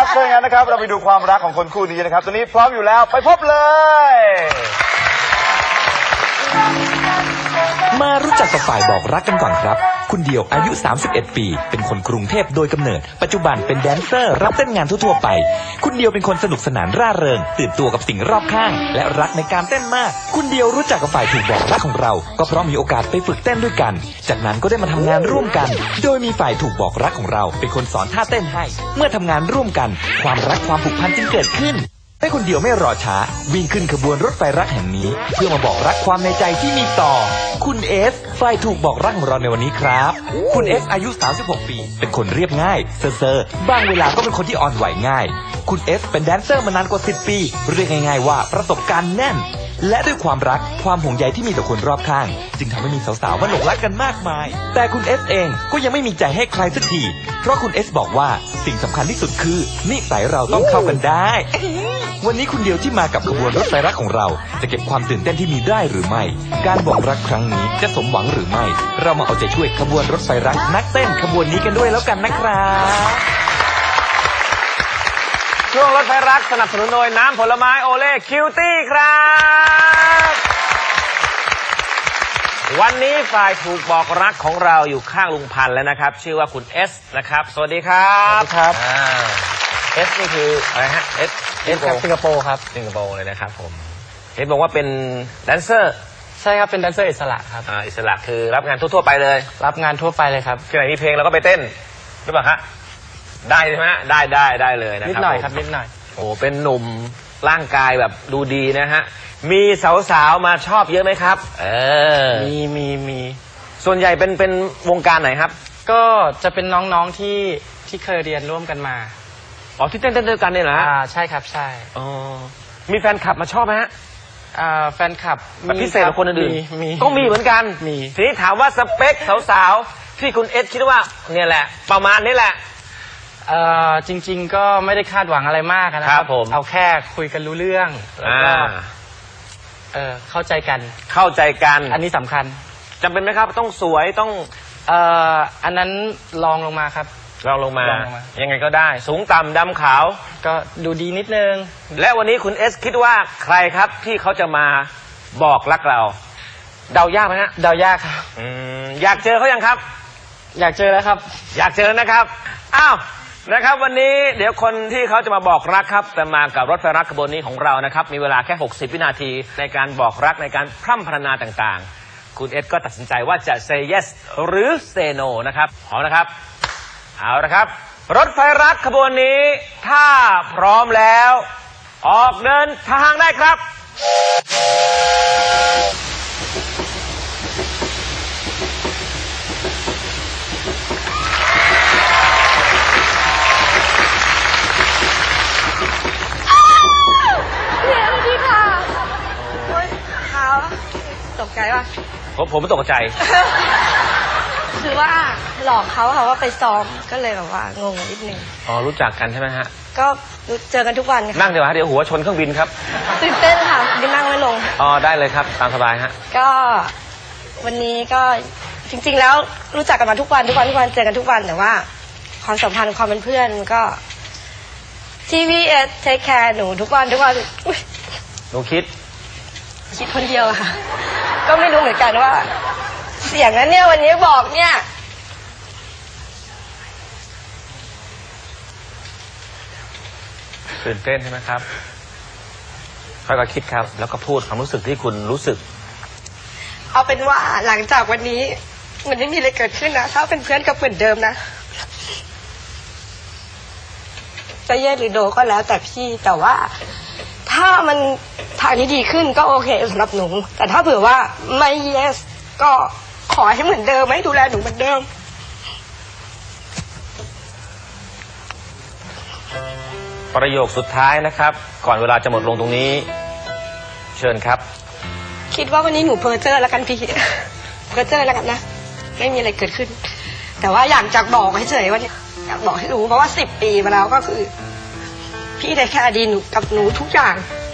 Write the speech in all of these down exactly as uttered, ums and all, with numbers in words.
ครับถ้าอย่างนั้นนะครับเราไปดูความรักของคนคู่นี้นะครับตอนนี้พร้อมอยู่แล้วไปพบเลยมารู้จักกับฝ่ายบอกรักกันก่อนครับคุณเดียวอายุสามสิบเอ็ดปีเป็นคนกรุงเทพโดยกำเนิดปัจจุบันเป็นแดนเซอร์รับเต้นงานทั่วๆไปคุณเดียวเป็นคนสนุกสนานร่าเริงตื่นตัวกับสิ่งรอบข้างและรักในการเต้นมากคุณเดียวรู้จักกับฝ่ายถูกบอกรักของเราก็เพราะมีโอกาสไปฝึกเต้นด้วยกันจากนั้นก็ได้มาทำงานร่วมกันโดยมีฝ่ายถูกบอกรักของเราเป็นคนสอนท่าเต้นให้เมื่อทำงานร่วมกันความรักความผูกพันจึงเกิดขึ้นให้คนเดียวไม่รอช้าวิ่งขึ้นขบวนรถไฟรักแห่งนี้เพื่อมาบอกรักความในใจที่มีต่อคุณเอสฝ่ายถูกบอกรักของเราในวันนี้ครับคุณเอสอายุสามสิบหกปีเป็นคนเรียบง่ายเซอร์ๆบางเวลาก็เป็นคนที่อ่อนไหวง่ายคุณเอสเป็นแดนเซอร์มานานกว่าสิบปีเรียกง่ายๆว่าประสบการณ์แน่นและด้วยความรักความห่วงใยที่มีต่อคนรอบข้างจึงทำให้มีสาวๆมาหลงรักกันมากมายแต่คุณเอสเองก็ยังไม่มีใจให้ใครสักทีเพราะคุณเอสบอกว่าสิ่งสำคัญที่สุดคือนิสัยเราต้องเข้ากันได้วันนี้คุณเดียวที่มากับขบวนรถไฟรักของเราจะเก็บความตื่นเต้นที่มีได้หรือไม่การบอกรักครั้งนี้จะสมหวังหรือไม่เรามาเอาใจช่วยขบวนรถไฟรักนักเต้นขบวนนี้กันด้วยแล้วกันนะครับช่วงรถไฟรักสนับสนุนโดยน้ำผลไม้โอเล่คิวตี้ครับวันนี้ฝ่ายถูกบอกรักของเราอยู่ข้างลุงพันธ์แล้วนะครับชื่อว่าคุณเอสนะครับสวัสดีครับสวัสดีครับเอสนี่คืออะไรฮะเอสเอสครับสิงคโปร์ครับสิงคโปร์เลยนะครับผมเห็นบอกว่าเป็นแดนเซอร์ใช่ครับเป็นแดนเซอร์อิสระครับอ่าอิสระคือรับงานทั่วๆไปเลยรับงานทั่วไปเลยครับที่ไหนมีเพลงเราก็ไปเต้นหรือเปล่าฮะได้ใช่ไหมฮะได้ได้ได้เลยนะครับนิดหน่อยครับนิดหน่อยโอ้เป็นหนุ่มร่างกายแบบดูดีนะฮะมีสาวๆมาชอบเยอะไหมครับเออมีมีมีส่วนใหญ่เป็นเป็นวงการไหนครับก็จะเป็นน้องๆที่ที่เคยเรียนร่วมกันมาอ๋อที่เต้นเต้นด้วยกันเนี่ยเหรออ่าใช่ครับใช่อ๋อมีแฟนคลับมาชอบไหมฮะอ่าแฟนคลับพิเศษกว่าคนอื่นมีก็มีเหมือนกันมีทีนี้ถามว่าสเปคสาวๆที่คุณเอสคิดว่าเนี่ยแหละประมาณนี้แหละเอ่อจริงๆก็ไม่ได้คาดหวังอะไรมากนะครับผมเอาแค่คุยกันรู้เรื่องแล้วก็เออเข้าใจกันเข้าใจกันอันนี้สำคัญจำเป็นไหมครับต้องสวยต้องเอ่ออันนั้นลองลงมาครับลองลงมายังไงก็ได้สูงต่ำดำขาวก็ดูดีนิดนึงและวันนี้คุณเอสคิดว่าใครครับที่เขาจะมาบอกรักเราเดายากไหมฮะเดายากครับอืมอยากเจอเขายังครับอยากเจอแล้วครับอยากเจอนะครับอ้าวนะครับวันนี้เดี๋ยวคนที่เขาจะมาบอกรักครับแต่มากับรถไฟรักขบวนนี้ของเรานะครับมีเวลาแค่หกสิบวินาทีในการบอกรักในการพร่ำพรรณนาต่างๆคุณเอสก็ตัดสินใจว่าจะ say yes หรือ say no นะครับพร้อมนะครับเอาละครับรถไฟรักขบวนนี้ถ้าพร้อมแล้วออกเดินทางได้ครับตกใจป่ะผมผมไม่ตกใจคือว่าหลอกเขาค่ะว่าไปซ้อมก็เลยแบบว่างงนิดนึงอ๋อรู้จักกันใช่ไหมฮะก็เจอกันทุกวันนั่งเดี๋ยวฮะเดี๋ยวหัวชนเครื่องบินครับตื่นเต้นค่ะดินั่งไม่ลงอ๋อได้เลยครับตามสบายฮะก็วันนี้ก็จริงๆแล้วรู้จักกันมาทุกวันทุกวันทุกวันเจอกันทุกวันแต่ว่าความสัมพันธ์ความเป็นเพื่อนก็ที่พี่เอสเทคแคร์หนูทุกวันทุกวันหนูคิดคิดคนเดียวค่ะก็ไม่รู้เหมือนกันว่าเสียงนั้นเนี่ยวันนี้บอกเนี่ยตื่นเต้นใช่ไหมครับค่อยๆคิดครับแล้วก็พูดความรู้สึกที่คุณรู้สึกเอาเป็นว่าหลังจากวันนี้มันไม่มีอะไรเกิดขึ้นนะถ้าเป็นเพื่อนก็เหมือนเดิมนะจะเย็นหรือโดก็แล้วแต่พี่แต่ว่าถ้ามันทางนี้ดีขึ้นก็โอเคสำหรับหนูแต่ถ้าเผื่อว่าไม่ yes ก็ขอให้เหมือนเดิมให้ดูแลหนูเหมือนเดิมประโยคสุดท้ายนะครับก่อนเวลาจะหมดลงตรงนี้เชิญครับคิดว่าวันนี้หนูเพ้อเจ้อแล้วกันพี่เพ้อเจ้อแล้วกันนะไม่มีอะไรเกิดขึ้นแต่ว่าอยากจะบอกให้เฉยว่าอยากบอกให้รู้เพราะว่าสิบปีมาแล้วก็คือพี่ได้แค่ดีหนูกับหนูทุกอย่าง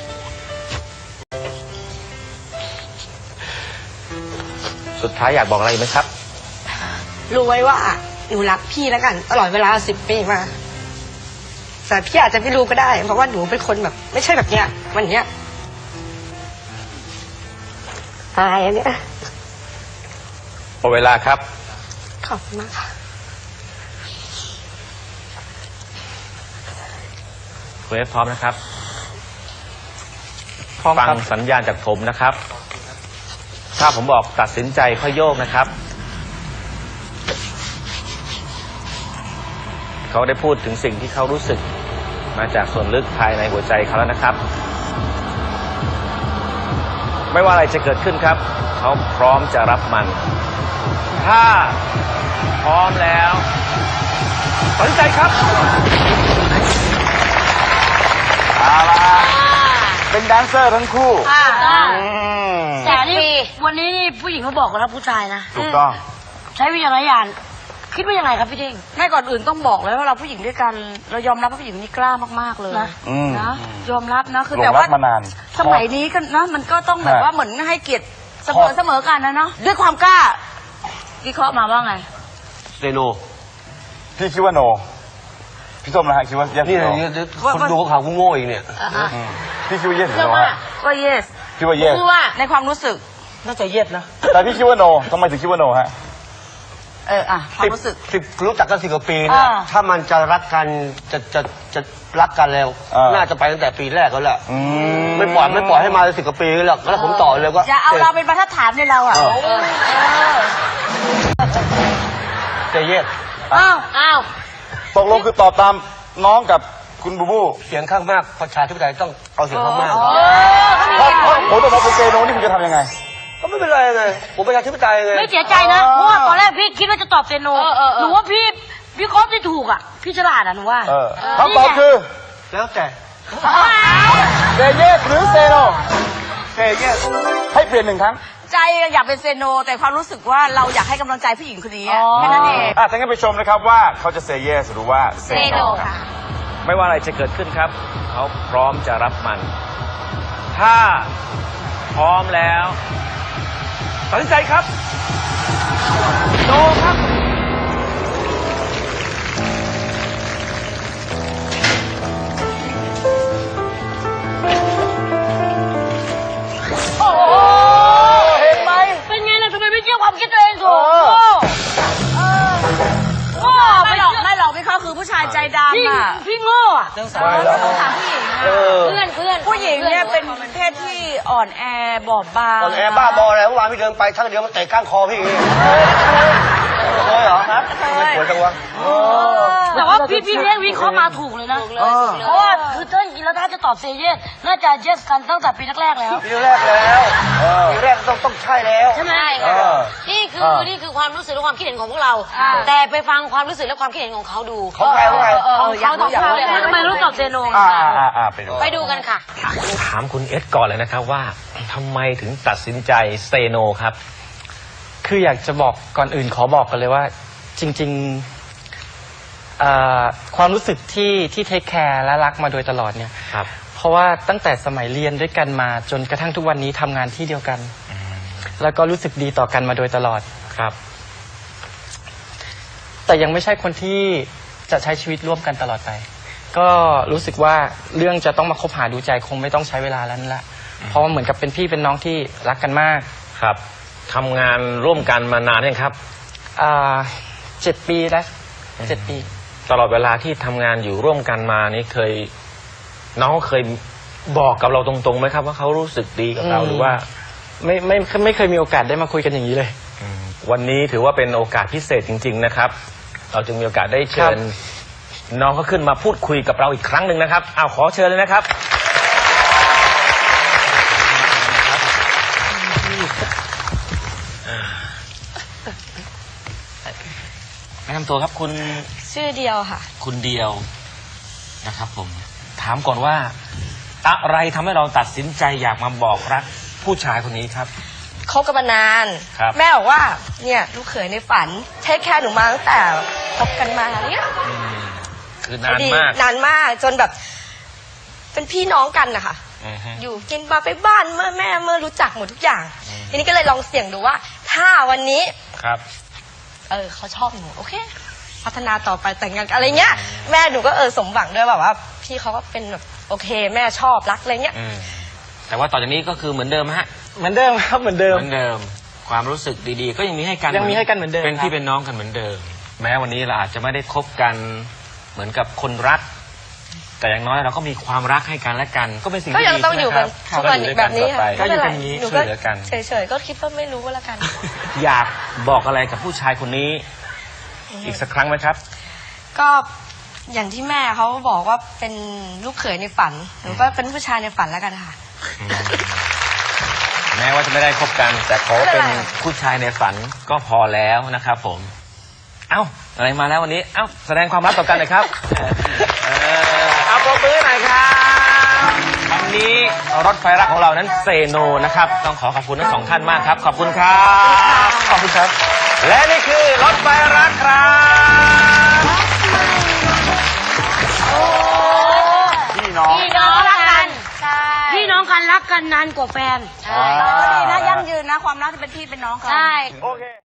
สุดท้ายอยากบอกอะไรไหมครับรู้ไว้ว่าหนูรักพี่แล้วกันตลอดเวลาสิบปีมาแต่พี่อาจจะไม่รู้ก็ได้ เพราะว่าหนูเป็นคนแบบ ไม่ใช่แบบเนี้ยวันเนี้ยอายอันเนี้ยหมดเวลาครับขอบคุณมากค่ะคุณเอฟพร้อมนะครับพร้อมฟังครับสัญญาณจากผมนะครับ ถ้าผมบอกตัดสินใจค่อยโยกนะครับ เขาได้พูดถึงสิ่งที่เขารู้สึกมาจากส่วนลึกภายในหัวใจเขาแล้วนะครับ ไม่ว่าอะไรจะเกิดขึ้นครับ เขาพร้อมจะรับมัน ถ้าพร้อมแล้วตัดสินใจครับเอาละเป็นแดนเซอร์ทั้งคู่อ่าอืมแต่นี่วันนี้นี่ผู้หญิงเขาบอกกันนะผู้ชายนะถูกต้องใช้วิจารณญาณคิดว่ายังไงครับพี่เท่งไม่ก่อนอื่นต้องบอกเลยว่าเราผู้หญิงด้วยกัน เรายอมรับว่าผู้หญิงคนนี้กล้ามากๆเลยอืมนะยอมรับนะคือหลงแต่รัว่ากมานานสมัยนี้ก็นะมันก็ต้องแบบฮะว่าเหมือนให้เกียรติเสมอเสมอกันนะเนาะด้วยความกล้าวิเคราะห์มาว่าไงเรโนพี่คิดว่าโน พี่ส้มนะฮะคิดว่า yes นี่หรือนี่ no คนดูข่าวกูโง่อีกเนี่ยอืมพี่คิดว่า yes หรือเชื่อ no ว่าฮะก็ yes คิดว่า yes คือว่าในความรู้สึกน่าจะเย็ดนะแต่พี่คิดว่า no ทำไมถึงคิดว่า no ฮะเอออ่ะความรู้สึกสิบรู้จักกันสิบกว่าปีเนี่ยอ่าถ้ามันจะรักกันจะจะจะรักกันแล้วอ่าน่าจะไปตั้งแต่ปีแรกแล้วแหละอืมไม่ปล่อยไม่ปล่อยให้มาสิบกว่าปีหรอกแล้วผมต่อเลยก็อย่าเอาเราเป็นบรรทัดฐานในเราอ่ะเออเออเจเย็ดอ้าวอ้าวตกลงคือตอบตามน้องกับคุณบูบูเสียงข้างมากประชาธิปไตยต้องเอาเสียงข้างมากเออเขามีถ้าถ้าผมตกมาเป็นเซโนนี่คุณจะทำยังไงก็ไม่เป็นไรไงผมประชาธิปไตยไงไม่เสียใจนะ เพราะว่าตอนแรกพี่คิดว่าจะตอบเซโนหนูว่าพี่พี่ครบที่ถูกอ่ะ พี่ฉลาดอ่ะหนูว่าเออคำตอบคือแล้วแต่เซเยสหรือเซโนเจเย็ดให้เปลี่ยนหนึ่งครั้งใจอยากเป็นเซโน แต่ความรู้สึกว่าเราอยากให้กำลังใจผู้หญิงคนนี้อะแค่นั้นเองอ่ะถ้างั้นไปชมนะครับว่าเขาจะเซเยสหรือว่าเซโนครับไม่ว่าอะไรจะเกิดขึ้นครับ เขาพร้อมจะรับมัน ถ้าพร้อมแล้วตัดสินใจครับโนครับโอ้โหเห็นไหมเป็นไงล่ะทำไมไม่เชื่อความคิดตัวเองถูกโง่ไม่หรอกไม่หรอกพี่เขาคือผู้ชายใจดำอ่ะพี่โง่อะเรื่องสาเอระอต้องถามผู้หญิงอะเพื่อนเพื่อนผู้หญิงเนี่ยเป็นเพศที่อ่อนแอบอบบางตอนแอร์บ้าบออะไรเมื่อวานพี่เดินไปทั้งเดียวมันเตะก้านคอพี่อย่างงี้เคยเหรอครับไม่ควรจังวะแต่ว่าพี่พี่เลี้ยงวิเคราะห์มาถูกเลยนะเพราะว่าคือเต้นจริงแล้วถ้าจะตอบเซเยสน่าจะเยสกันตั้งแต่ปีแรกๆแล้วปีแรกแล้วปีแรกต้องต้องใช่แล้วใช่ไหมเออนี่คือนี่คือความรู้สึกและความคิดเห็นของพวกเราอ่าแต่ไปฟังความรู้สึกและความคิดเห็นของเขาดูของใครของใครของเขาตอบเขาเลยทำไมรู้ตอบเซโนอ่าอ่าอ่าไปดูไปดูกันค่ะถามคุณเอสก่อนเลยนะครับว่าทำไมถึงตัดสินใจเซโนครับคืออยากจะบอกก่อนอื่นขอบอกกันเลยว่า จริงๆเอ่อความรู้สึกที่ที่เทคแคร์และรักมาโดยตลอดเนี่ยครับเพราะว่าตั้งแต่สมัยเรียนด้วยกันมาจนกระทั่งทุกวันนี้ทำงานที่เดียวกัน แล้วก็รู้สึกดีต่อกันมาโดยตลอดครับแต่ยังไม่ใช่คนที่จะใช้ชีวิตร่วมกันตลอดไป ก็รู้สึกว่าเรื่องจะต้องมาคบหาดูใจคงไม่ต้องใช้เวลาแล้วนั่นแหละเพราะว่าเหมือนกับเป็นพี่เป็นน้องที่รักกันมากครับทำงานร่วมกันมานานยังครับอ่าเจ็ดปีแล้วเจ็ดปีตลอดเวลาที่ทำงานอยู่ร่วมกันมานี่เคย น้องเคยบอกกับเราตรงๆไหมครับ ว่าเขารู้สึกดีกับเราอืมหรือว่าไม่ไม่ไม่เคยมีโอกาสได้มาคุยกันอย่างนี้เลยวันนี้ถือว่าเป็นโอกาสพิเศษจริง ๆ นะครับ เราจึงมีโอกาสได้เชิญ น้องเขาขึ้นมาพูดคุยกับเราอีกครั้งหนึ่งนะครับเอาขอเชิญเลยนะครับ แนะนำตัวครับคุณชื่อเดียวค่ะคุณเดียวนะครับผม ถามก่อนว่า อะไรทำให้เราตัดสินใจอยากมาบอกรักผู้ชายคนนี้ครับคบกันมานานครับแม่บอกว่า เนี่ยลูกเขยในฝันเทคแคร์หนูมาตั้งแต่คบกันมาเนี่ยอืมคือนานดีมากนานมากจนแบบ เป็นพี่น้องกันนะคะอือฮึอยู่กินมาไปบ้านเมื่อแม่เมื่อรู้จักหมดทุกอย่าง ทีนี้ก็เลยลองเสี่ยงดูว่า ถ้าวันนี้ครับเออเขาชอบหนูโอเคพัฒนาต่อไปแต่งงานกันอะไรเงี้ยแม่หนูก็เออสมหวังด้วยแบบว่าพี่เขาก็เป็นแบบโอเคแม่ชอบรักอะไรเงี้ยอืมแต่ว่าต่อจากนี้ก็คือเหมือนเดิมฮะเหมือนเดิมครับเหมือนเดิมเหมือนเดิม ความรู้สึกดีๆ ก็ยังมีให้กันยังมีให้กันเหมือนเดิมเป็นครับพี่เป็นน้องกันเหมือนเดิม แม้วันนี้เราอาจจะไม่ได้คบกันเหมือนกับคนรัก แต่อย่างน้อยเราก็มีความรักให้กันและกัน ก็เป็นสิ่งก็ที่ยังดีต้องอยู่กันะคทุรับกวันก็อยู่ด้วยแบกับนี้ต่อไปค่ะก็อยู่กันนี้หนูช่วยเหลือกันเฉยๆก็คิดว่าไม่รู้ก็แล้วกันอยากบอกอะไรกับผู้ชายคนนี้ อีกสักครั้งไหมครับก็อย่างที่แม่เขาบอกว่าเป็นลูกเขยในฝันหนูก็เป็นผู้ชายในฝันแล้วกันค่ะแม้ว่าจะไม่ได้คบกัน แต่ขอเป็นไม่เป็นไรผู้ชายในฝันก็พอแล้วนะครับผม เอ้าอะไรมาแล้ววันนี้ เอ้าแสดงความรักต่อกันหน่อยครับ เออเอาปรบมือหน่อยครับวันนี้รถไฟรักของเรานั้นเซโนนะครับ ต้องขอขอบคุณทั้งสองท่านมากครับ ขอบคุณครับ ขอบคุณครับ และนี่คือรถไฟรักครับพี่น้องพี่น้องรักกันใช่พี่น้องกันรักกันนานกว่าแฟนก็ดีนะยั่งยืนนะความรักที่เป็นพี่เป็นน้องกันใช่โอเค